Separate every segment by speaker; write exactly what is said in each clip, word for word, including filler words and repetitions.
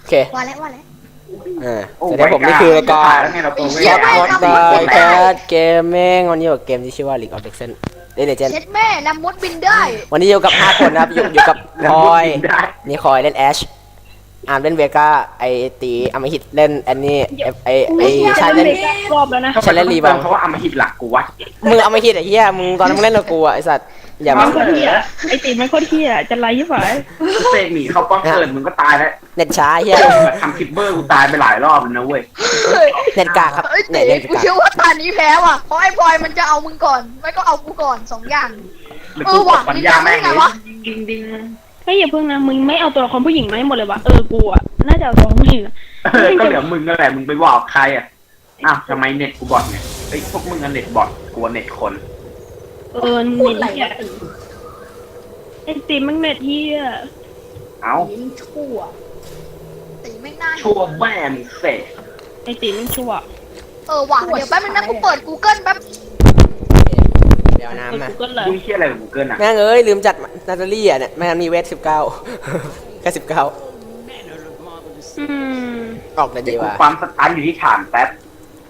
Speaker 1: เค
Speaker 2: ว่าแล้วว่าแล้ว
Speaker 1: อ่าสวัสดีผมนี่คือรายการช็อตคอร์ดบายแคทเกมเมงวันนี้อยู่กับเกมที่ชื่อว่า League of Legends เดนเจน
Speaker 2: เช็ดแม่ลำมดบินได้
Speaker 1: วันนี้อยู่กับห้าคนนะครับอยู่อยู่กับคอยนี่คอยเล่นแอชอาร์มเล่นเวก้าไอตีอมหิตเล่นแอนนี่ไอไอชายเล่น
Speaker 3: รอบแล้วนะ
Speaker 1: ฉันเล่นรีบัง
Speaker 4: เพราะว่าอมหิตหลักกูวะ
Speaker 1: มึงเอามาหิตไอ้เหี้ยมึงตอนนั้นมึงเล่นกับกูอะไอสัตว์อย่า
Speaker 3: มั
Speaker 1: มาน
Speaker 3: โคตรเที่ยไอตีมันโคตรเที่ยจะไล่ยี่ฝ่าย
Speaker 4: เสกหนีเข้าป้อมเกิดมึงก็ตายแล้ว
Speaker 1: เน็ตช้าเหี้ย
Speaker 4: ทำคิปเบอร์กูตายไปหลายรอบแล้วนะเว้ย
Speaker 1: เน็ตกากครับ
Speaker 2: เอ้ย
Speaker 1: เน็
Speaker 2: เต๋
Speaker 1: ตเน็ต
Speaker 2: กู
Speaker 1: กาก
Speaker 2: เชื่อว่าตอนนี้แพ้ว่ะเพราะไอ้พลอยมันจะเอามึงก่อนไม่ก็เอากูก่อนสองอย่าง
Speaker 4: หรือกูกดปัญญาแม่งเลยดิงดิง
Speaker 3: ไม่อย่าเพิ่งนะมึงไม่เอาตัวละครผู้หญิงมาให้หมดเลยวะเออกูอ่ะน่าจะเอาตัวผู้หญิง
Speaker 4: เออก็เหลือมึงนั่นแหละมึงไปบอกใครอ่ะอ้าวทำไมเน็ตกูบอทเนี่ยเฮ้ยพวกมึงอะเน็ตบอทกูเน็ตคน
Speaker 3: เออ
Speaker 2: พูด
Speaker 3: เน็
Speaker 2: อะไร
Speaker 3: ตเที่ยว
Speaker 2: ะตี
Speaker 3: ไอตีมันเน็ตเที่ย
Speaker 4: เอ้า
Speaker 2: ตีมึงชั่วตีไม่น่า
Speaker 4: ชั่วแม่มึงเสก
Speaker 3: ไอตีมันชั่ว
Speaker 2: เออว่ะเดี๋ยวแป๊บนึงนะกูเปิด Google แป๊บ
Speaker 1: เดี๋ยว
Speaker 3: เออ
Speaker 1: น้ำมา
Speaker 3: กูก็เลย
Speaker 4: มึงเชี่ยอะไรของกูเกินอ่ะ
Speaker 1: แม่งเอ้ยลืมจัดนาตาลี่อ่ะเนี่ยแม่งมีเวทสิบเก้าแค่สิบเก้า
Speaker 3: อืม
Speaker 1: ออกแต่
Speaker 4: เดี๋
Speaker 1: ดี
Speaker 4: ยวกู
Speaker 1: ว่ะ
Speaker 4: ปั๊มสตาร์ทอยู่ที่ฐานแป๊บ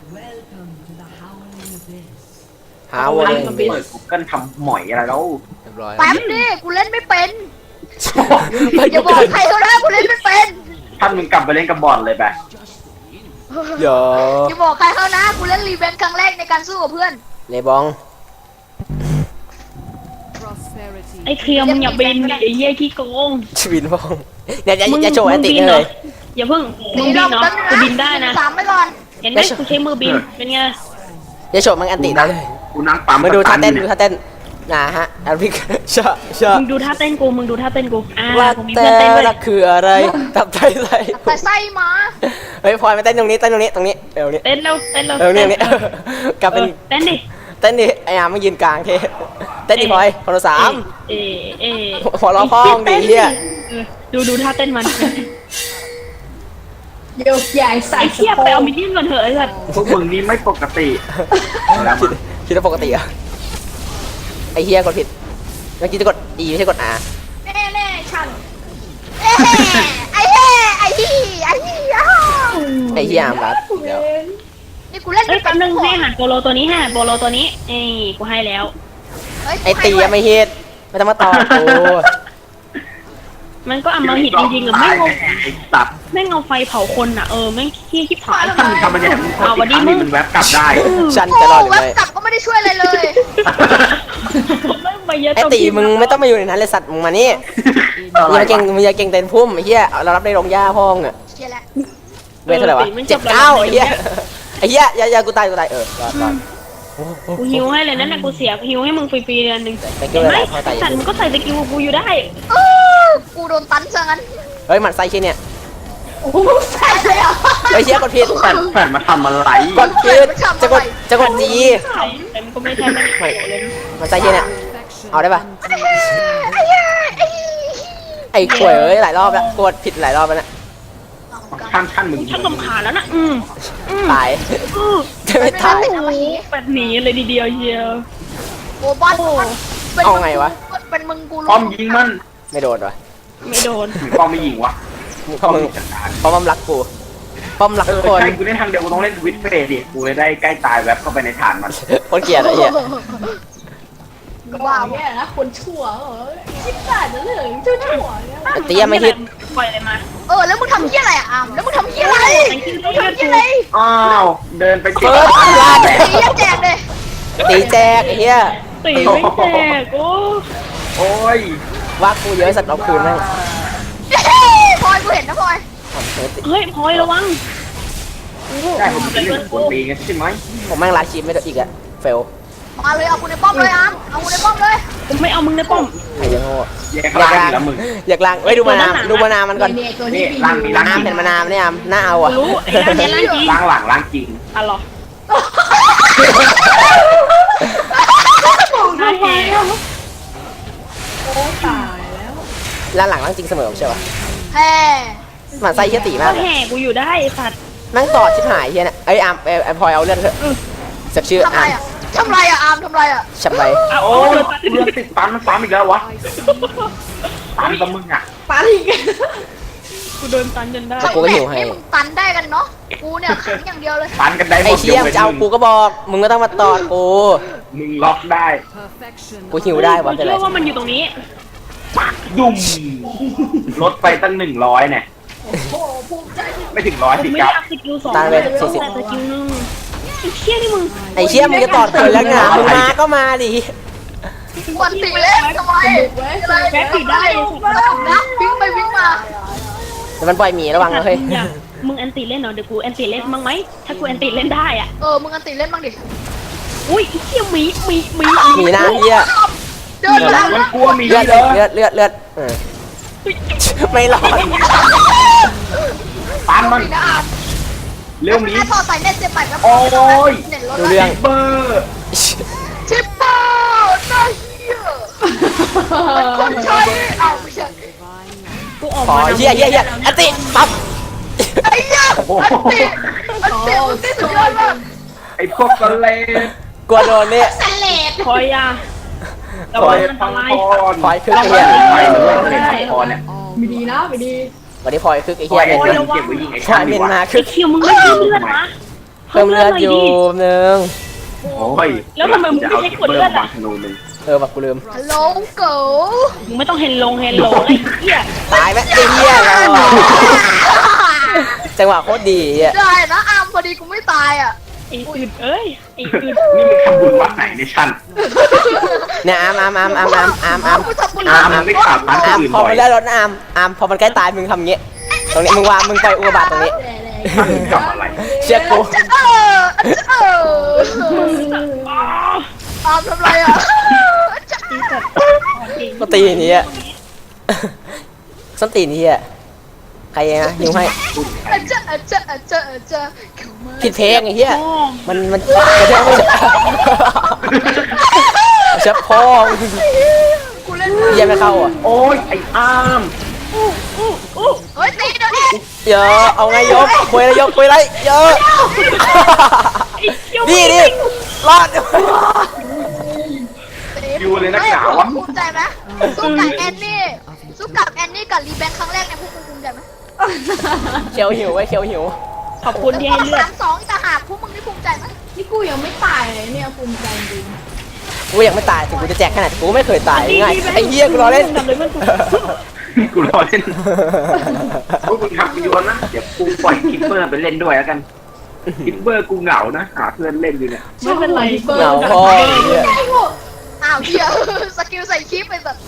Speaker 1: หาวัน
Speaker 4: เปิดกูเกิลทำหมอยอะไรแล้ว
Speaker 1: เรียบร้อย
Speaker 2: แป๊บดิกูเล่นไม่เป็นอย่าบอกใครก็ได้กูเล่นไม่เป็น
Speaker 4: ท่านมึงกลับไปเล่นกับบอลเลยไป
Speaker 1: เดี๋ยว
Speaker 2: อย่าบอกใครเขานะกูเล่นรีเวนครั้งแรกในการสู้กับเพื่อน
Speaker 1: เลบอง
Speaker 3: ไอเคียวมึงอย่าบินดิไอเหี้ยขี้โกง
Speaker 1: ชวินบองเดี๋ยวจะจะโชว์แอนติ
Speaker 3: มึงบิน
Speaker 1: เล
Speaker 3: หรอย อย่าเพิ่งมึงบินเนาะกูบินได้นะ
Speaker 2: สามไปก่อน
Speaker 3: เห็นไหมกูใช้มือบินเป็นไง
Speaker 1: จะโชว์มันแอนติได้เลย
Speaker 4: กูนั่งปั๊ม
Speaker 1: มาดูท่าเต้น
Speaker 4: ส
Speaker 1: ดู
Speaker 4: ตร์ท
Speaker 1: ท่าเต้นนะฮะแอนพิกชะชะ
Speaker 3: มึงดูท่าเต้นกูมึงดูท่าเต้นกูอ่า
Speaker 1: ว่า
Speaker 3: ผมมี
Speaker 1: แต่
Speaker 3: เพื่อนเต้นด้วย
Speaker 1: ละคืออะไรตับไทยไร
Speaker 2: แต่ไส้มา
Speaker 1: เฮ้ยพลอยมาเต้นตรงนี้เต้นตรงนี้ตรงนี้เอวนี้
Speaker 3: เต้นเร็วเต้นเร็ว
Speaker 1: เอวนี้นี้กลับเป็น
Speaker 3: เต้นดิ
Speaker 1: เต้นดิไอ้อามายืนกลางเทเต้นดิพลอยคนละสาม
Speaker 3: เอเอ
Speaker 1: หัวเราะพ้องดิเฮีย
Speaker 3: ดูดูท่าเต้นมัน
Speaker 2: เดี๋ยวใหญ่ใส่
Speaker 3: ไอ้เทียบไปเอามินเนี่ยนก่อนเถอะไอ้สัส
Speaker 4: พวกมึงนี่ไม่ปกติแล้ว
Speaker 1: คิดคิดว่าปกติอะไอ้เฮียกดผิดเมื่อกี้จะกด E ไม่ใช่กด R
Speaker 2: แน่แน่ฉันเอ้ไอ้เฮ้ไอ้ฮีไอ้ฮีอ้าว
Speaker 1: ไอ้เฮียอามรัดเดี๋ยว
Speaker 2: นี่กูเล่น
Speaker 3: เอ้ยแป๊บนึงให้อาหารโปโลตัวนี้ฮะโปโลตัวนี้เอ้กูให้แล้ว
Speaker 1: ไอ้ตียังไม่ฮิตไม่ต้องมาต่อกู
Speaker 3: มันก็อำมหิตจริงๆหรือไม่งง
Speaker 4: ไอ้สัตว์
Speaker 3: ไม่งเอาไฟเผาคนอ่ะเออไม่เที่ยชิบหาย
Speaker 4: ถ้ามึงทำมันเนี่ยมึงกดอีกครั้งนี่มันแวบกลับได้
Speaker 1: ฉัน
Speaker 2: โอ้
Speaker 1: จะรอดหรือ
Speaker 2: เว็บ
Speaker 1: ไม่
Speaker 2: กลับก็ไม่ได้ช่วยอะไรเลย
Speaker 3: ไม่ไปเยอะ
Speaker 1: ไอ้ตีมึงไม่ต้องมาอยู่ในนั้นเลยสัตว์มึงมานี่มึงอย่าเก่งมึงอย่าเก่งเต้นพุ่มไอ้เหี้ยเรารับได้ลงหญ้าพ่องอะ
Speaker 2: เชียร์แล้ว
Speaker 1: เวทเท่าไหร่วะเจ็ดเก้าไอ้เหี้ยไอ้เหี้ยอย่าอย่ากูตายกูตายเออรอดรอด
Speaker 3: กูฮิวให้เลยนั่นน่ะกูเสียฮิวให้มึงฟรีๆเดือนหนึ่ง
Speaker 1: แต่เกี่
Speaker 3: เห็
Speaker 1: ยวน อะไร
Speaker 3: ไหม
Speaker 1: พอตาย
Speaker 3: สัตว์มึงก็ใส่สกิลกูอยู่ได้
Speaker 2: เออกูโดนตันซะงั้น
Speaker 1: เฮ้ยหมันไส้ชิ้นเนี่ย
Speaker 2: โอ้โหใส่เลยอ่ะ
Speaker 1: ไอ้เหี้ยกดผิด
Speaker 4: แผ่นแผ่นมาทำอะไร
Speaker 1: กดผิดจะกดจะกดจี
Speaker 3: แต่มันก็ไม่ใช่ไม่ใช่เลย
Speaker 1: หมันไส้ชิ้นเนี่ยเอาได้ปะ
Speaker 2: ไอ้เฮ้ไอ้เฮ้ไอ้เฮ้
Speaker 1: ไอ้ข่วยเอ้ยหลายรอบแล้วกดผิดหลายรอบแล้วนะ
Speaker 4: ท่านท่านมึง
Speaker 3: ชักลำขาญแล้วนะอืมอืม
Speaker 1: ตาย
Speaker 3: อือ
Speaker 1: จะไม่ตาย
Speaker 3: โอ้โหแบบหนีเลยทีเดียวเชียว
Speaker 2: โอ้บอลเป็น
Speaker 1: เอาไงวะ
Speaker 2: เป็นมึงกู
Speaker 4: ป้อมยิงมัน
Speaker 1: ไม่โดนวะ
Speaker 3: ไม่โดน
Speaker 4: หรือป้อมไม่ยิงวะ
Speaker 1: เพราะมึง
Speaker 4: จัดการ
Speaker 1: เพราะมันรักกูเพราะมันรัก
Speaker 4: เอ
Speaker 1: ทุ
Speaker 4: อก
Speaker 1: คน
Speaker 4: ใช่กูเล่นทางเดียวกูต้องเล่นสวิตช์เฟสดิกูเลยได้ใกล้ตายแวบเข้าไปในฐานมัน
Speaker 1: คนเกลียดไอ้เหี้ย
Speaker 2: ว้าว
Speaker 5: เนี่ยนะคนชั่วเหรอคิดได้นะเรื่องชั่วชั่วเนี่ย
Speaker 1: ไอ้เตี้ยไม่ฮิต
Speaker 3: ปล่อยเลยมา
Speaker 2: เออแล้วมึงทำเหี้ยอะไรอ่ะอามแล้วมึงทำเหี้ยอะไรมึงทำเหี้ยอะไร
Speaker 4: อ้าวเดินไปเจ็บ
Speaker 1: ลาด
Speaker 2: ตีเหี้ยแจกเลย
Speaker 1: ตีแจกไอ้เหี้ย
Speaker 3: ตีไม่แตกโอ้
Speaker 4: โอ้ย
Speaker 1: ว่ากูเยอะสัตว์เอาคืนแม่ง
Speaker 2: พลอยกูเห็นนะพลอย
Speaker 3: เฮ้ยพลอยระวัง
Speaker 4: ได้ผมเป็นหนึ่งคนตีกันใช่ไหม
Speaker 1: ผมแม่งลาชีพไม่ได้อีกอะเฟล
Speaker 2: มาเลยเอากูในป้อมเลยอามเอากูในป้อมเลย
Speaker 3: ผมไม่เอามึงในป้อม
Speaker 1: ไอ้ยังโง่
Speaker 4: แยกล่างอีกแล้วมึง
Speaker 1: อยากล้างเอ้ยดูมานาวดูมานาวมันก่อน
Speaker 5: เนี่ยตัว
Speaker 4: นี่
Speaker 5: นี้
Speaker 4: ล่างมีล่าง
Speaker 1: น้ำ
Speaker 4: จริ
Speaker 1: เห็
Speaker 4: ง
Speaker 1: นมานาวเนี่ยน่าเอาอ่ะ
Speaker 3: รู้ไอ้ร่างเนี้ยร่างจริง
Speaker 4: ล่างหลังล่างจริง
Speaker 3: อ่ะหรอน่าแหก
Speaker 5: โอ้ตายแล้ว
Speaker 1: ล้านหลังล้างจริงเสมอใช่ปะ
Speaker 2: แฮ่
Speaker 1: หมันไส้เฮียตี
Speaker 3: ก็
Speaker 1: มาก
Speaker 3: แหกกูอยู่ได้สัตว์
Speaker 1: นั่งต่อชิบหายเฮียเนี่ยไอ้อาร์มไอ้พลอยเอาเลือดเถอะสักชื่อ
Speaker 2: ทำไร
Speaker 1: อาร์ม
Speaker 2: อ่ะทำไรอ่ะอามทำไรอ่ะ
Speaker 1: ฉับไป
Speaker 3: เอา
Speaker 4: โอ้
Speaker 3: โอ้
Speaker 4: ย
Speaker 3: ย
Speaker 4: เรื่องติดตันมันซ้ำอีกแล้ววะตันกับมึงอ่ะ
Speaker 5: ปาอีก
Speaker 3: กูโดนตันจนได้
Speaker 1: กูก็หิวให้
Speaker 2: นี่มึงตันได้กันเนาะกูเนี่ยขังอย่างเดียวเลย
Speaker 4: ปันกันได้หม
Speaker 1: ไอ้
Speaker 4: ด
Speaker 1: เชี่ยม
Speaker 4: ว้น
Speaker 1: จะเอา
Speaker 4: มึง
Speaker 1: กูก็บอก มึงก็ต้องมาตอดกู
Speaker 4: มึงล็อกได้
Speaker 1: กูหิวได้วะ
Speaker 3: กู
Speaker 1: เป็นไร
Speaker 3: เชื่อว่ามันอยู่ตรงนี้
Speaker 4: ปักดุ่มลดไปตั้งหนึ่งร้อยเนี่ย
Speaker 5: โอ้โหภูมิใจที่
Speaker 4: ไม่ถึงร้อย
Speaker 3: กู
Speaker 4: สิ
Speaker 3: ไม่
Speaker 4: ครับ
Speaker 3: อยากสกิลสอง
Speaker 1: ตั้งเลยสี่สิบ
Speaker 3: แต่สกิลหนึ่งไอ้เชี่ยนี่มึง
Speaker 1: ไอ้เชี่ยมึงจะตอดคนแล้วไงมึงมาก็มาดิ
Speaker 2: วันตีเล่นทำไม
Speaker 5: ไว้
Speaker 2: อะไร
Speaker 3: แบ็คติดได้
Speaker 2: นะวิ่งไปวิ่งมา
Speaker 1: แต่มันปล่อยหมีระวังนะเฮ้ย
Speaker 3: มึงอยากมึงแอนติเล่นเหรอเดี๋ยวกูแอนติเล่นบ้างไหมถ้ากูแอนติเล่นได้อ่ะ
Speaker 2: เออมึงอันตีเล่นบ้างดิ
Speaker 3: อุ้ยไอ้เชี่ยหมีหมีหมี
Speaker 1: หมีหน้าเหี้ย
Speaker 2: เดินแล้ว
Speaker 4: มันกลัวมี
Speaker 1: เลือด
Speaker 4: เยอะ
Speaker 1: เลือดเลือดเลือดเออไม่รอด
Speaker 4: ปันมัน
Speaker 2: นะอาร์ม
Speaker 4: เร็วหมี
Speaker 2: ถ้าต่อสายเน็ตเจ็บไปแล้ว
Speaker 4: โอ้ย
Speaker 2: เน็ตลด
Speaker 1: ดู
Speaker 2: แล้ว
Speaker 1: เรื่อง
Speaker 4: เบอร์
Speaker 2: ชิปเปอร์น่าเหี้ยมันคนใช้เอ้าไม่ใช่
Speaker 3: กูออก
Speaker 1: ขอ
Speaker 3: มา
Speaker 1: เหี้ยเหี้ยเหี้ยอันติปั๊บ
Speaker 2: ไอ้เหี้ยอันตีอันตีอันตีสุดยอดมาก
Speaker 4: ไอ้พวกกะเลน
Speaker 1: กลัวโดนเนี่ย
Speaker 2: สเลด
Speaker 3: คอยยา
Speaker 4: คอยพังพร
Speaker 1: พลอยคึกไอ้เหี้ย
Speaker 4: ไปเลยเป็นพังพรเนี่ย
Speaker 5: ไม่ดีนะไม่ดี
Speaker 1: วันนี้พลอยคึกไอ้
Speaker 4: คอ
Speaker 1: เหี้ย
Speaker 4: ย
Speaker 1: เมน
Speaker 4: เก็
Speaker 1: มา
Speaker 4: บไว้ยิงไอ้
Speaker 1: พลอ
Speaker 4: ช่าย ง
Speaker 1: เม
Speaker 4: ดี
Speaker 1: น
Speaker 4: กว่า
Speaker 1: มาคึ
Speaker 3: ไอ้
Speaker 1: ก
Speaker 3: เชี่ยมึงไม่เพิ่มเลือดนะ
Speaker 1: เพิ่มเลือดอยู่นึง
Speaker 4: โอ้ย
Speaker 3: แล้วทำไมมึงไม่ใช้กดเลือดอ่ะ
Speaker 4: ธนูหนึ่ง
Speaker 1: เออแบบกูลืม
Speaker 2: ฮัลโหลเก๋
Speaker 3: มึงไม่ต้องเฮนลงเฮนลงไอ้เหี้ย
Speaker 1: ตายไหมไอ้เหี้ยเราจังหวะโคตรดีอ่ะ
Speaker 2: ได้นะอาร์มพอดีกูไม่ตายอ่ะ
Speaker 3: ไอ้อึดเอ้ยไอ้อึด
Speaker 4: นี่มึงทำบุญวัดไหนในชั้น
Speaker 1: เนี่ยอามอามอามอามอามอามอาม
Speaker 2: กูทำบุญ
Speaker 4: อาร์มมึงไม่ขาดร้าน
Speaker 1: อาม
Speaker 4: อื่น
Speaker 1: พอ
Speaker 4: บ่อย
Speaker 1: มันได้รถนะอามอามพอมันใกล้ตายมึงทำเงี้ยตรงนี้มึงวางมึงไปอุกกาบาตตรงนี้
Speaker 4: ท่านทำอะไร
Speaker 1: เชื่อกู
Speaker 2: เออเอออาร์มทำไรอ่ะ
Speaker 1: ก็ตีนี้อ่ะส้นตีนี้อ่ะใครนะยิงให้
Speaker 2: อาจจะอาจจะอาจจะอาจจะ
Speaker 1: ผิดเพลงไอ้เหี้ย
Speaker 3: โอ้
Speaker 1: มันมันกระเทยไม่ใช่เชื่อพ่อ
Speaker 2: กูเล่น
Speaker 1: เหี้ยไม่เข้าอ่ะ
Speaker 4: โอ้ยไอ้อาร์ม
Speaker 2: เฮ้ยตีเดี๋ยวนี้
Speaker 1: เยอะเอาไงยกคุยอะไรยกคุยอะไรเยอะดีดิรอด
Speaker 4: อยู่เลยนักหนาวะ
Speaker 2: ภูมิใจไหมสู้กับแอนนี่สู้กับแอนนี่กับรีแบงครั้งแรกเนี่ยพวกมึงภูมิใจไหม
Speaker 1: เขียวหิวไว้เขียวหิว
Speaker 3: ขอบคุณที่ให้เลือด
Speaker 2: สามสองจะหากพวกมึงนี่ภูมิใจไหม
Speaker 5: นี่กูยังไม่ตายเลยเนี่ยภูมิใจจริง
Speaker 1: กูยังไม่ตายถึงกูจะแจกขนาดกูไม่เคยตายง่ายไอ้เหี้ยกูรอเล่น
Speaker 4: กูรอเล่นพวกมึงทำประโยชน์นะเดี๋ยวกูปล่อยคิปเปอร์ไปเล่นด้วยแล้วกันคิปเปอร์กูเหงานะหาเพื่อนเล่นอยู่เนี่ย
Speaker 5: ไม่เป็นไรเบอร์
Speaker 1: เหงาพ่อไอ้เหี้ย
Speaker 2: อ้าวเฮียสกิลใส่คลิปไปสัตว์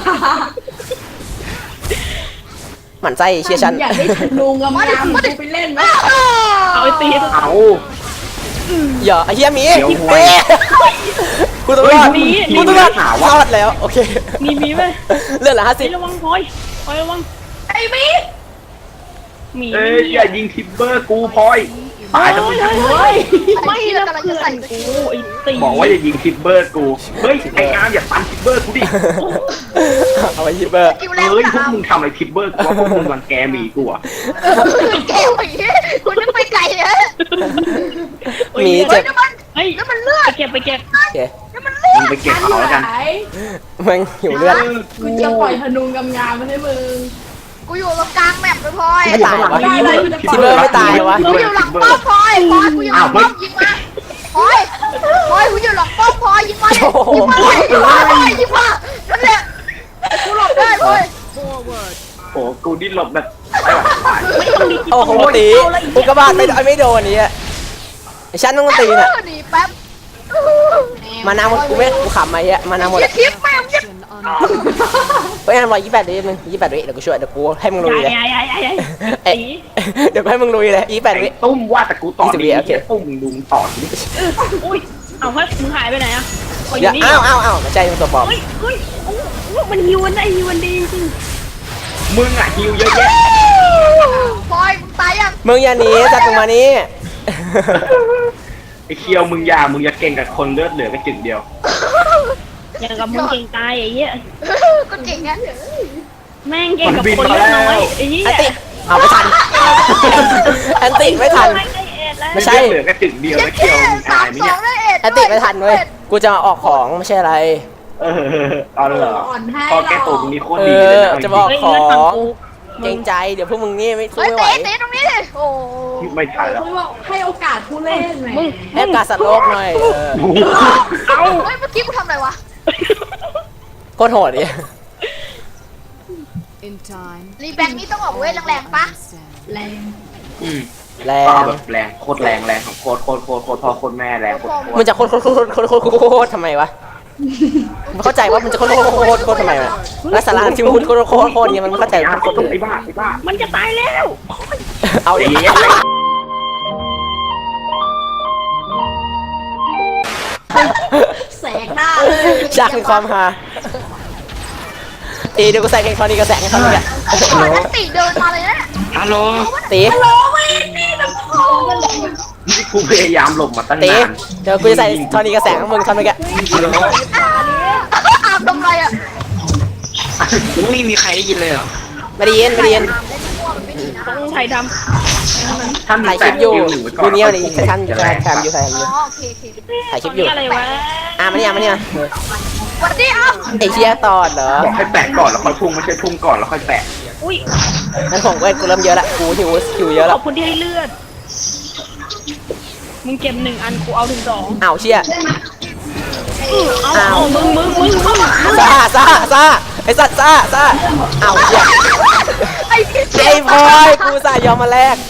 Speaker 1: หมั่นไส้เชียร์ฉัน
Speaker 5: อยากได้ธนูงามๆกูไปเล่นไหม
Speaker 3: เอาไอ้ตี
Speaker 4: เอา
Speaker 1: อย่าไอ้เหี้ยหมี
Speaker 4: เดี๋ยวหวย
Speaker 1: เอ๊ะกูต้องรอด
Speaker 4: เฮ้ย
Speaker 1: กูต้องรอด
Speaker 4: หาวะ
Speaker 1: รอดแล้วโอเค
Speaker 3: มีมีไหม
Speaker 1: เลือดเหลือห้าสิ
Speaker 3: ไอ้
Speaker 1: บ
Speaker 3: ระวังพลอยพลอยระวัง
Speaker 5: ไอ้มี
Speaker 3: หมี
Speaker 4: เอ้ยอย่ายิงคิปเปอร์กูพลอยตายทั้งหมด
Speaker 5: เฮ้ย
Speaker 3: ไม่นะเพื่อนกูไอ้ตี
Speaker 4: บอกว่าอย่ายิงคิปเปอร์กูเฮ้ยไอ้อาร์มอย่าตันคิปเปอร์กูดิ
Speaker 1: เอาไปยิบเบอร์
Speaker 2: สกิลแรง
Speaker 4: เฮ้ยพวก
Speaker 2: อ้าว
Speaker 4: มึงทำอะไรคิปเปอร์กูว่าพวกมึงรังแกหมีกูอ่ะ
Speaker 2: เกลอย่างงี้คุณนึกไปไกลเลย
Speaker 1: หมี
Speaker 2: เฮ้
Speaker 1: เจ็
Speaker 2: ย
Speaker 1: บ
Speaker 2: น้ำมัน
Speaker 3: เฮ้ย
Speaker 2: น้ำมันเลือ
Speaker 3: ไป
Speaker 2: ด
Speaker 3: เก็บไปเก็บ
Speaker 1: โอเค
Speaker 2: น้ำมันเลือ
Speaker 4: มึ
Speaker 2: ด
Speaker 4: งไปเก็บเอาแล้วกัน
Speaker 5: ไหน
Speaker 1: มันหิวเลือด
Speaker 5: กูจะปล่อยธนูงามๆมาให้มึง
Speaker 2: กูอยู่ตรงกลางแมปเลยพลอย
Speaker 1: ไม่ตายวะ
Speaker 5: ได้เลยกูจะปล่อย
Speaker 1: คิปเปอร์ไม่ตายวะ
Speaker 2: กูอยู่หลังป้อมพลอยพลอยกูอยู่หลังป้อมยิงมาพลอยพลอยกูอยู่หลังป้อมพลอยยิงมายิงมายิงมาพลอยยิงมานั่นแหละกูหลบได้พลอย
Speaker 4: โอ้กูดิ้นหลบแบบไม่ไหวตาย
Speaker 1: โอ้โหตีอุกกาบาตไม่ไม่โดนนี่ไอ้ฉันต้องตีน่ะ
Speaker 2: หนีแป๊บ
Speaker 1: มานาหมดกูไม่กูขำมาเยอะมานาหมด
Speaker 2: อย่าคลิปแม่งอย่า
Speaker 1: เฮ้ยอันร้อยยี่สิบแปดวินึงยี่สิบแปดวิเดี๋ยวกูช่วยเดี๋ยวกูให้มึงลุยเลย
Speaker 3: ใหญ่ใหญ่ใหญ่ใหญ่
Speaker 1: เอ้ยเดี๋ยวกูให้มึงลุยเลยยี่สิบแปดวิ
Speaker 4: ไอ้ตุ้มว่าแต่กูต่อ
Speaker 1: ยี่สิบวิ
Speaker 4: ดี
Speaker 1: โอเค
Speaker 4: ตุ้มมึงดูต่อดิ
Speaker 3: อุ้ยเอาเฮ้ยมึงหายไปไหนอะอ
Speaker 1: เดี๋ยว
Speaker 3: นี่
Speaker 1: อ้าวอ้าวอ้าวไม่ใช่มันตัวปลอม
Speaker 3: เฮ้ยเฮ้ยโอ้โหมันฮิวมันได้ฮิวมันดีจริง
Speaker 4: มึงอ่ะฮิวเยอะแยะ
Speaker 2: พลอยมึงตายยัง
Speaker 1: มึงอย่าหนีจัดมึงมานี้
Speaker 4: ไอ้เคียวมึงอย่ามึงอย่าเก่งกับคนเลือดเหลือแค่จึงเดียว
Speaker 3: อย่างกับมึงเก่งตายไอ้เหี้ย
Speaker 2: ก็เก่งงั้น
Speaker 3: แม่งเก่งกับคนเลือดน้อยไอ้เหี้ย
Speaker 1: อันติเอาไม่ทันอันติไม่ทัน ไม่ใช่
Speaker 4: เลือดเหลือแค่จึงเดียวแล้วเคียวมึง
Speaker 2: สา
Speaker 4: อาม ยไหม
Speaker 2: สอ
Speaker 4: เนี่ย
Speaker 2: งได้เอ็ด
Speaker 1: อันติไม่ทันเว้ยกูจะมาออกของไม่ใช่อะไร
Speaker 4: เออตอนเหรอ
Speaker 5: อ่อนให้
Speaker 4: พอ
Speaker 5: หร
Speaker 4: แก
Speaker 5: อ
Speaker 4: ตัวมึงนี่โคตร
Speaker 1: เอ
Speaker 4: ดีเลย
Speaker 1: อ
Speaker 4: นะ
Speaker 1: จะบอก
Speaker 3: เฮ้ย
Speaker 1: ขอ
Speaker 3: เลือดฝั่ง
Speaker 1: ง
Speaker 3: กู
Speaker 1: เกรงใจเดี๋ยวพวกมึงนี่ไม่สู้
Speaker 2: เฮ้ย
Speaker 1: ไม่ไหว
Speaker 2: เตะเตะตรงนี้ดิโอ้
Speaker 4: ไม่ทันแล้ว
Speaker 5: เขาบอกให้โอกาสผู้เล่นไหม
Speaker 3: มึง
Speaker 1: ให้โอกาสสัตว์โลกหน่อยเออ
Speaker 2: เอาเฮ้ยเมื่อกี้กูทำอะไรวะ
Speaker 1: โคตรโหดดิ
Speaker 6: In time,
Speaker 2: รีแบงค์นี่ต้องออกเวทแรงๆปะ
Speaker 5: แรง
Speaker 4: อืม
Speaker 1: แร
Speaker 4: ก็
Speaker 1: ง
Speaker 4: เอาแบบแรงโคตรแรงแรงของโคตรโคตรโคตรโคตรพ่อโคตรแม่แรงโคตรโค
Speaker 1: มึ
Speaker 4: ต
Speaker 1: ง
Speaker 4: ร
Speaker 1: จะโคตรโคตรโคตรโคตรโคตรโคตรทำไมวะไม่เข้าใจว่ามันจะโคตรโคตรโคตรโคตรทำไมวะแล้วสาระที่มึงพูดโคตรโคตรโคตรเนี่ยมันไม่เข้าใจ
Speaker 4: ไอ้
Speaker 1: โคตรโคตร
Speaker 4: ไอ้บ้าไอ้บ้า
Speaker 3: มันจะตายแล้ว
Speaker 1: เอาดิ
Speaker 5: แสกหน้าเลย
Speaker 1: ฉากแห่งความฮาตีเดี๋ยวกูใส่เพลงทอนี้ก็แสงให้เขาเลย
Speaker 2: ไอ้ที่มันนั่นติเดินมาเลยนะ
Speaker 4: ฮัลโหล
Speaker 1: ตี
Speaker 4: นี่กูพยายามหลบมาตั้ง
Speaker 1: ตี
Speaker 4: นาน
Speaker 1: เดี๋ยวกูจะใส่ทอนี้ก็แสงให้มึงทำไปแก
Speaker 4: ฮัลโหล
Speaker 2: อาบทำไรอ่ะ
Speaker 4: ไม่มีใครได้ยินเลยเหรอ
Speaker 1: ไม่ได้ยินไม่ได้ยิน
Speaker 2: อาบเล่นมั่วมันไม่ดีนะ
Speaker 3: ต้องถ่ายท
Speaker 4: ท่าน
Speaker 1: ถ่ายคลิปอยู่
Speaker 4: ดู
Speaker 1: ดูเนี้ยดิท่านจะแคมอยู่ถ่าย
Speaker 2: อ๋อ
Speaker 1: อยู่
Speaker 2: โอเคโอเค
Speaker 1: ถ่าย
Speaker 3: ำ
Speaker 1: คลิปอยู่
Speaker 3: นี่อะไรวะ
Speaker 1: อ่ะมาเนี่ยมาเนี่ย
Speaker 2: สวัสดีครับ
Speaker 1: ไอ้เชี่ยตอดเหรอ
Speaker 4: บอกให้แปะก่อนแล้วค่อยพุ่งไม่ใช่พุ่งก่อนแล้วค่อยแปะ
Speaker 3: อุ้ย
Speaker 1: นั่นของเว้ยกูเริ่มเยอะละกูหิวหิวเยอะ
Speaker 3: ข
Speaker 1: ละ
Speaker 3: อบคุณที่ให้เลือด มึงเก็บหนึ่งอันกูเอาถึงสอง
Speaker 1: อ้าวเชี่ย
Speaker 3: เอาเอามึงมึงมึงมึง
Speaker 1: ซ่าซ่าซ่าไอ้สัตว์ซ่าซ่าอ้าวเชี่ย
Speaker 2: ไอ้พี่
Speaker 1: ไอ้พลอยกูสายยอมมาแลก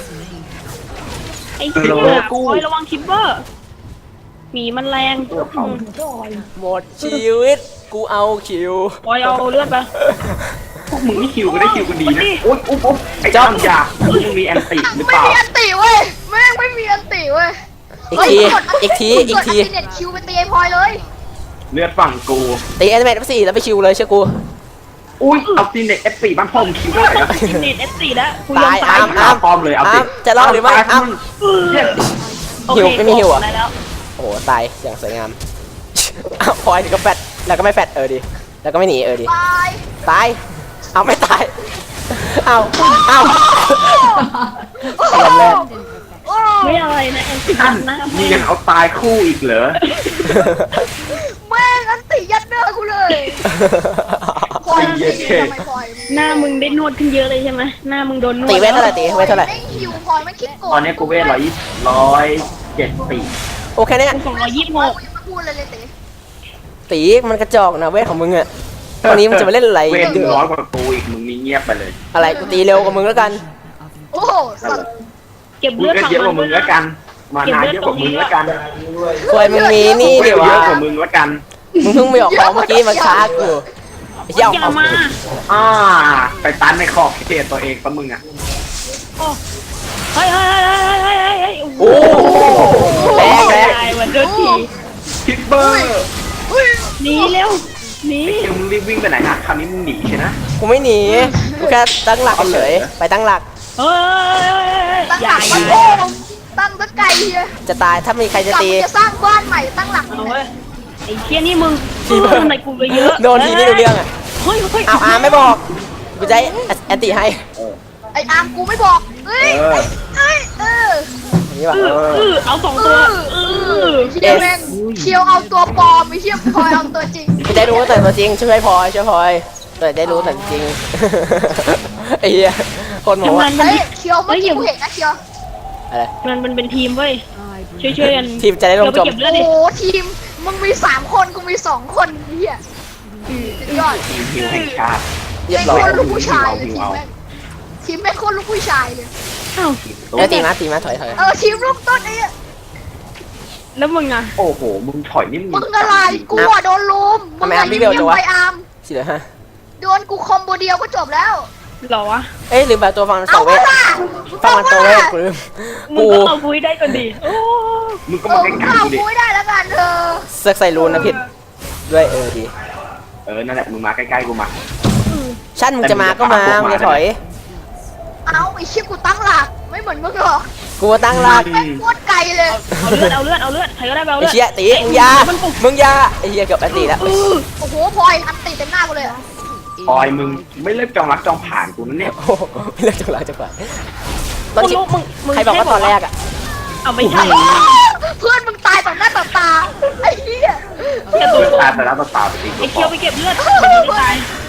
Speaker 3: ไอ้เหี้ยโอ้ยระวังทิปเปอร์หมีมันแรง
Speaker 1: หมดชีวิตกูเอาคิว
Speaker 3: ปล่อยเอาเลือดไป
Speaker 4: พวกมึงนี่คิวก็ได้คิวกันดีนะโอ๊ยอุ๊บอุ๊บไอ้
Speaker 1: จ๊อบ
Speaker 4: จ้ำยามึงมีแอนติหรือเป
Speaker 2: ไม่
Speaker 4: ล่า
Speaker 2: มีอันติเว้ยแม่งไม่มีอันติเว้ย
Speaker 1: อีกทีอีกทีอีกที
Speaker 2: เน็ตคิวไปตีไอ้พลอยเลย
Speaker 4: เลือดฝั่งกู
Speaker 1: ตีแอนิเมตสี่แล้วไปคิวเลยเชื่อกู
Speaker 4: อุ้ยเอาซีเน็ตเอฟสี่บ้านพ่อมึงคิวได้เหรอ
Speaker 3: เน็ตเอสสี่แล้วกูยอม
Speaker 1: ตาย
Speaker 3: ตาย
Speaker 1: อ้ามอ้าม
Speaker 4: ปลอมเลยเอาสิ
Speaker 1: อ้ามจะรอดหรือไม่อ้าม
Speaker 3: โอเค
Speaker 1: หิวไม่มีหิวอะ
Speaker 3: ได้แล้ว
Speaker 1: โอ้โหตายอย่างสวยงามอ้าวพลอยถึงก็แฟดแล้วก็ไม่แฟดเออดิแล้วก็ไม่หนีเออดิ
Speaker 2: ตาย
Speaker 1: ตายเอาไม่ตายเอาเอาลำแรก
Speaker 2: โอ้
Speaker 3: ไม่อะไรนะเอ็นสิ
Speaker 4: ท่าน
Speaker 3: นะ
Speaker 4: มียังเอาตายคู่อีกเหรอ
Speaker 2: แม่งอันติยัดเนื้อกูเลยพลอยอันติทำไมพลอย
Speaker 3: หน้ามึงได้นวดขึ้นเยอะเลยใช่ไหมหน้ามึงโดนนวด
Speaker 1: ตีเวทเท่าไหร่ตีเวทเท่าไหร่
Speaker 2: ไม่คิวพลอยไม่คิดโกง
Speaker 4: ตอนนี้กูเวทร้อยร้อยเจ็ดสี่
Speaker 1: โอเคเนี่ย
Speaker 3: สองร้อยยี่สิบ
Speaker 2: พ
Speaker 3: ห
Speaker 2: ลอย
Speaker 3: ก
Speaker 2: กูยังไม่พูดเลยเลยเต๋
Speaker 1: ตีมันกระจอกนะเวทของมึงอะตอนนี้มันจะมาเล่นอะไร
Speaker 4: เวทหนึ่งร้อยกว่ากูอีกมึงมีเงียบไปเลย
Speaker 1: อะไรกูตีเร็วกว่ามึงแล้วกัน
Speaker 2: โอ้โหสัตว์
Speaker 3: เก็บ
Speaker 4: มึ
Speaker 3: เลื
Speaker 4: ง
Speaker 3: อด
Speaker 4: ก็
Speaker 3: ฝั่ง
Speaker 4: เยอะก
Speaker 3: มั
Speaker 4: ว่าน มึงแล้วกัน มานาเยอะกว่ามึงแล้วกัน
Speaker 1: ควยมึงมีนี่
Speaker 4: กู
Speaker 1: ดิ
Speaker 4: เย
Speaker 1: วะ
Speaker 4: อะกว่ามึงแล้วกัน
Speaker 1: มึงเพิ่งไปออกของเมื่อกี้มันช้ากูไอ้เหี้ยเอา
Speaker 3: อย่า
Speaker 1: เอา
Speaker 3: มา
Speaker 4: อ่าไปตันในขอบเขตตัวเองปะมึงอ่ะ
Speaker 3: โอ้เฮ้ยเฮ้ยเฮ้ยเฮ้ยเฮ้ยเฮ้ย
Speaker 1: โอ้แรงแรง
Speaker 3: ตายวันโดนที
Speaker 4: คิปเปอร์
Speaker 3: หนีเร็วหนี
Speaker 4: เดี๋ยวมึงรีบวิ่งไปไหนนะคราวนี้มึงหนีใช่ไหม
Speaker 1: กูไม่หนีกูแค่ตั้งหลักเฉยๆไปตั้งหลัก
Speaker 3: เฮ้ย
Speaker 2: ตั้ง
Speaker 3: อ
Speaker 2: ห
Speaker 3: ย่า
Speaker 2: ลัก
Speaker 3: อย่า
Speaker 2: โอ้โหตั้งตะไกลเฮีย
Speaker 1: จะตายถ้ามีใครจะ
Speaker 2: กลับ
Speaker 1: ตี
Speaker 2: มาจะสร้างบ้านใหม่ตั้งหลัก
Speaker 3: เอาเว้ยไอ้เชี่ยนี่มึง
Speaker 1: ทีเบอร์
Speaker 3: ทำไมกูไปเยอะ
Speaker 1: โดนทีไม่รู้เรื่องอะ
Speaker 3: เฮ้ยเฮ้ย
Speaker 1: เอาอาร์มไม่บอกกูจะให้แอนตี้ให้
Speaker 2: ไอ้อาร์มกูไม่บอกเฮ้ยเฮ้ยเออ
Speaker 1: นี่ป่ะ
Speaker 3: เออเออเอาสองตัวเออ
Speaker 2: เชียวแม่งเชียวเอาตัวปลอมไม่เชียวพลอยเอาตัวจริง
Speaker 1: กูจะได้รู้แต่ตัวจริงช่วยพลอยช่วยพลอยแต่ได้รู้แต่จริงไอ้เหี้ยคนหมู
Speaker 3: ทำงา
Speaker 1: อะ
Speaker 3: นมัน
Speaker 2: เฮ้ยเชียวเมื่อกี้กูเห็นนะเชียว
Speaker 1: อะไร
Speaker 3: มันมันเป็นทีมเว้ยช่วยช่วยกัน
Speaker 1: ทีมจะได้ลงจม
Speaker 3: เก็บเลือด
Speaker 2: โอ้
Speaker 3: ดิ
Speaker 2: โหทีมมึงมีสามคนกูมีสองคนเฮียสุดยอด
Speaker 4: ทีมฮิวแห่งชาติ
Speaker 1: เรียบ
Speaker 2: แม่ง
Speaker 1: ร้อย
Speaker 2: โคตรลูกผู้ชายเลยทีมแม่งทีมแม่งโคตรลูกผู้ชายเลย
Speaker 3: อ้าว
Speaker 1: เออตีมาตีมาถอยถอย
Speaker 2: เออทีมลูกต้นไอ้
Speaker 3: แล้วมึงอ่ะ
Speaker 4: โอ้โห มึงถอยนี่มึง
Speaker 2: มึงอะไรกูอะโดนลุมมึงอะยิงไปอาร์ม
Speaker 1: สิเหลือฮะ
Speaker 2: โดนกูคอมโบเดียวก็จบแล้ว
Speaker 3: หรอวะ
Speaker 1: เอ้ยลืมแบบตัวฟังมันส
Speaker 2: เอา
Speaker 1: องเว
Speaker 2: วะ
Speaker 1: ท
Speaker 2: ล่ะ
Speaker 1: ฟังมันตัวเวทกูลืม
Speaker 3: มึง
Speaker 1: กู
Speaker 3: ก็เอาคุยได้ก่อนดิโอ้
Speaker 4: มึงก็
Speaker 2: เอ
Speaker 4: มา
Speaker 2: อ
Speaker 4: ใก
Speaker 2: มึง
Speaker 4: ล้
Speaker 2: เข้า
Speaker 4: ๆกูดิ
Speaker 2: กูได้แล้วกันเธอ
Speaker 1: เสือกใส่รูนนะผิดด้วยเออดี
Speaker 4: เออ นั่นแหละ มึงมาใกล้ๆกูมา
Speaker 1: ชั่นมึงจะมาก็มามึงจะถอย
Speaker 2: เอาไอ้เชี่ยกูตั้งหลักไม่เหมือนมึงหรอก
Speaker 1: กูตั้งหลัก
Speaker 2: แม่งโคตรไกลเลย
Speaker 3: เอาเลือดเอาเลือดเอาเลือดใครก็ได้ไปเอา
Speaker 1: ไอ้
Speaker 3: เลือด
Speaker 1: เชี่ยตีมึงยามึงยาไอ้เหี้ยเกือบแอนตี้แล้ว
Speaker 3: เออ
Speaker 2: โอ้โหพลอยอันตีเต็มหน้ากูเลยอะ
Speaker 4: ปอยมึงไม่เลิกจองรักจองผ่านกูนั่นเนี่ย
Speaker 1: โอ้โหไม่เลิกจังหวะจังหวะตอน
Speaker 3: มึง
Speaker 1: ที่
Speaker 3: รู้มึงมึง
Speaker 1: ใครบอกว่าตอนแรกอ่ะ
Speaker 3: เอาไม่ใช่
Speaker 2: เพื่อนมึงตายต่อหน้าต่อตาไอ้เหี้ย
Speaker 3: แค่ตัว
Speaker 4: เลิกตายแต่แล้วต่อตาไปจริง
Speaker 3: ไอ้เคียวไปเก็บเลือดมันไม่ตาย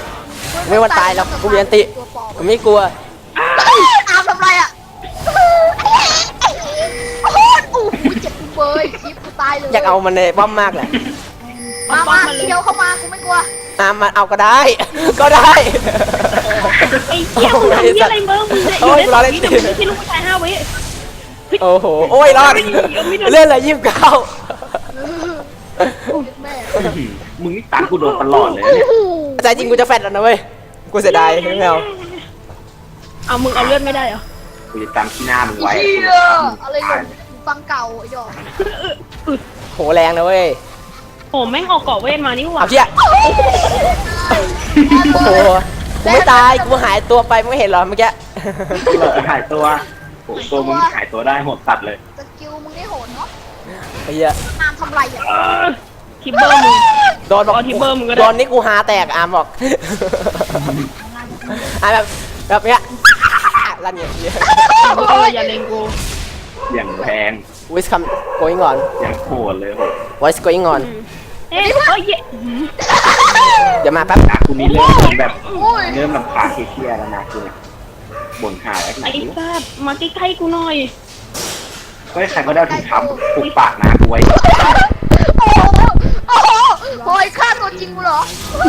Speaker 1: ไม่ว่าตายแล้วกูมีอันติ
Speaker 2: ตัวปลอม
Speaker 1: กูไม่กลัว
Speaker 2: อามทำไรอ่ะโอ้โหโอ้โหเจ็บกูเบยคลิปกูตายเลย
Speaker 1: อยากเอามันในป้อมมากแหละ
Speaker 2: มามาเที่ยวเข้ามากูไม่กลัว
Speaker 1: อ่ะมันเอาก็ได้ ก็ได้
Speaker 3: ไอ้เหี้ยมึงทำเหี้ยอะไรเมื่อมึงเนี่ยอยู่ได้สองวิแต่มึงไม่ใช่ลูกผู้ชายห้าวิ
Speaker 1: โอ้โหโอ้ยรอดเล่นอะไรยี่สิบเก้า
Speaker 2: แม่
Speaker 4: มึงนี่ตัดกูโดนตลอดเลยเนี่ย
Speaker 1: ใจจริงกูจะแฟดแล้วนะเว้ยกูเสียดายไม่เอา
Speaker 3: เอามึงเอาเลือดไม่ได้เหรอ
Speaker 4: กูจะจำที่หน้ามึงไว้
Speaker 2: เชี่ยอะไรหล่นฟังเก่าไอ้ดอก
Speaker 1: โหแรงนะเว้ย
Speaker 3: โอ้แม่งออกเกาะเวทมานี่หว่า
Speaker 1: เอาเชี่ยโอ้โหกูไม่ตายกูหายตัวไปไม่เห็นหรอเมื่อกี้
Speaker 4: หลอกหายตัวโอ้ตัวมึงหายตัวได้หมดตัดเลย
Speaker 2: สกิลมึงได้โหดเนาะ
Speaker 1: ไอ้เหี้ย
Speaker 2: อามทำไรอ่ะ
Speaker 4: เออ
Speaker 3: ทิปเบอร์มึง
Speaker 1: โดนบอก
Speaker 3: เอาที่เบอร์มึงก็ได้
Speaker 1: โดนนี่กูหาแตกอาร์มบอกอ่ะแบบแบบเนี้ยลั่นอย่างเงี้ย
Speaker 3: เอออย่าเลงกู
Speaker 4: อย่างแพง
Speaker 1: วิสคัม going on
Speaker 4: อย่างโหดเลยโหด
Speaker 1: voice going on
Speaker 3: เอ๊ะเอ้ยเย้
Speaker 1: เดี๋ยวมาแป๊บ
Speaker 4: นะกูนี่เริ่มแบบ
Speaker 2: โอ้ย
Speaker 4: เริ่มลำคาญเครียดแล้วนะกูเนี่ยบ่นหาแล้วไหน
Speaker 3: ไอ้สัตว์มาใกล้ๆกูหน่อย
Speaker 4: เฮ้ยใครก็ได้ถุงเท้าปุกปากนะกูไว้
Speaker 2: โอ้โหโอ้โหโอ้ยฆ่าตัวจริงกูเหรอ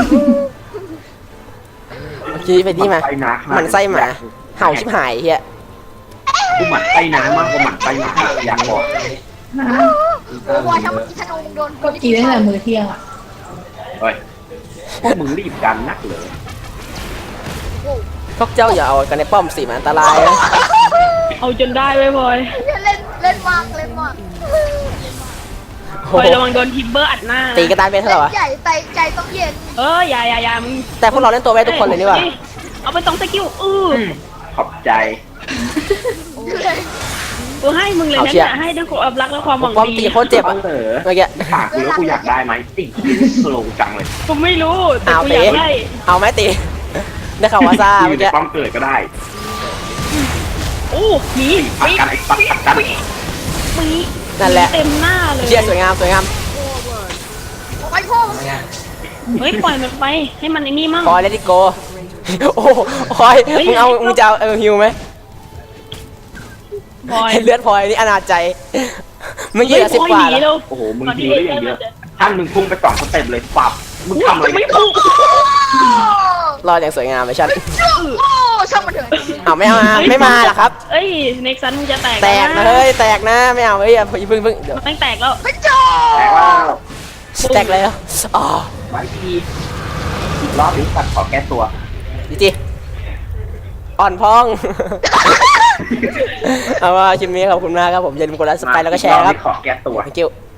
Speaker 1: เมื่อกี้ไปนี่มา
Speaker 4: ไปนะ
Speaker 1: มันไส้หมาเห่าชิบหายเฮีย
Speaker 4: กูหมั่นไส้น้ำมากกว่าหมั่นไส้หมาอยากบอก
Speaker 2: โอ้บอยถ้าเมื่อกี้ธนูมึงโดน
Speaker 5: ก็กินตั้งแต่มื้อเที่ยงอ่ะ
Speaker 4: เฮ้ยพวกมึงรีบกันนักเลย
Speaker 1: พวกเจ้าอย่าเอากันในป้อมสิมันอันตรายนะ
Speaker 3: เอาจนได้ไว้บอย
Speaker 2: เล่นเล่นมากเล่นมาก
Speaker 3: บอยระวังโดนทิปเบอร์อัดหน้า
Speaker 1: ตีกันตายเป็นเท่าไหร่วะ
Speaker 2: ใหญ่ใจใจต้องเย็น
Speaker 3: เอออย่าอย่าอย่ามึง
Speaker 1: แต่พวกเราเล่นตัวเวททุกคนเลยนี่หว่า
Speaker 3: เอาไปสองสกิลอือ
Speaker 4: ขอบใจ
Speaker 3: กูให้มึงเลยนะเนี่ยให้ด้วยความรักและความหวัง
Speaker 1: ป้อม
Speaker 3: ดี
Speaker 1: ตีโคตรเจ็บอ่ะ
Speaker 4: เหรอ
Speaker 1: เมื่อกี้
Speaker 4: ถามกูแล้วกูอยากได้ไหมติ่งสโลว์จังเลย
Speaker 3: กูไม่รู้แต่
Speaker 1: เอา
Speaker 3: กู
Speaker 1: ตี
Speaker 3: อยากได้
Speaker 1: เอาไหมตีได้ข่าวว่าซ่า
Speaker 4: อ
Speaker 1: เมื่
Speaker 4: ยู่
Speaker 1: อ
Speaker 4: ใน
Speaker 1: กี้
Speaker 4: ป้อมเกิดก็ได้
Speaker 3: โอ้หมี
Speaker 4: ปัดกันไอ้ปัดปัดกัน
Speaker 3: หมี
Speaker 1: นั่นแหละ
Speaker 3: เต็มหน้าเลย
Speaker 1: เชียร์สวยงามสวยงาม
Speaker 2: ไอ้พ่อ
Speaker 3: เฮ้ยปล่อยมันไปให้มันไอ้นี่มั่ง
Speaker 1: คอยเลติโกโอ้คอยมึงเอามึงจะเอาเออฮิวไหม
Speaker 3: บอย
Speaker 1: เลือดพลอยนี่อนาจใจเมื่อกี้เหลือสิบกว่า
Speaker 3: เฮ้ย
Speaker 1: แล้ว
Speaker 3: บอยหนีเร็ว
Speaker 4: โอ้โหมึงฮิวได้อย่างเยอะท่านมึงพุ่งไปสองสเต็ปเลยปับมึงทำอะไร
Speaker 3: ไม่
Speaker 4: เนี่ย
Speaker 3: ถูก
Speaker 1: รอดอย่างสวยงามเลยชัด
Speaker 2: โอ้ช่างมันเถอะ
Speaker 1: เอาไม่เอามาไม่มาหรอครับ
Speaker 3: เอ้ยเน็กซันมึงจะแตก
Speaker 1: แตกนะเฮ้ยแตกนะไม่เอาเฮ้ยอย่าเพิ่งเพิ่งเดี๋ยว
Speaker 3: ไม่แตกแล้ว
Speaker 2: ไม่จบ
Speaker 4: แต่ว่า
Speaker 1: แตกแล้วอ๋อ
Speaker 4: ไว้ทีรอบนี้ตัดขอแก้ตัว
Speaker 1: ดีจีอ่อนพอง เอาว่าคลิปนี้ขอบคุณมากครับผมอย่าลืมกดไลค์สไปร์แล้วก็แชร์ครับ
Speaker 4: ขอแก้ตัว
Speaker 1: thank you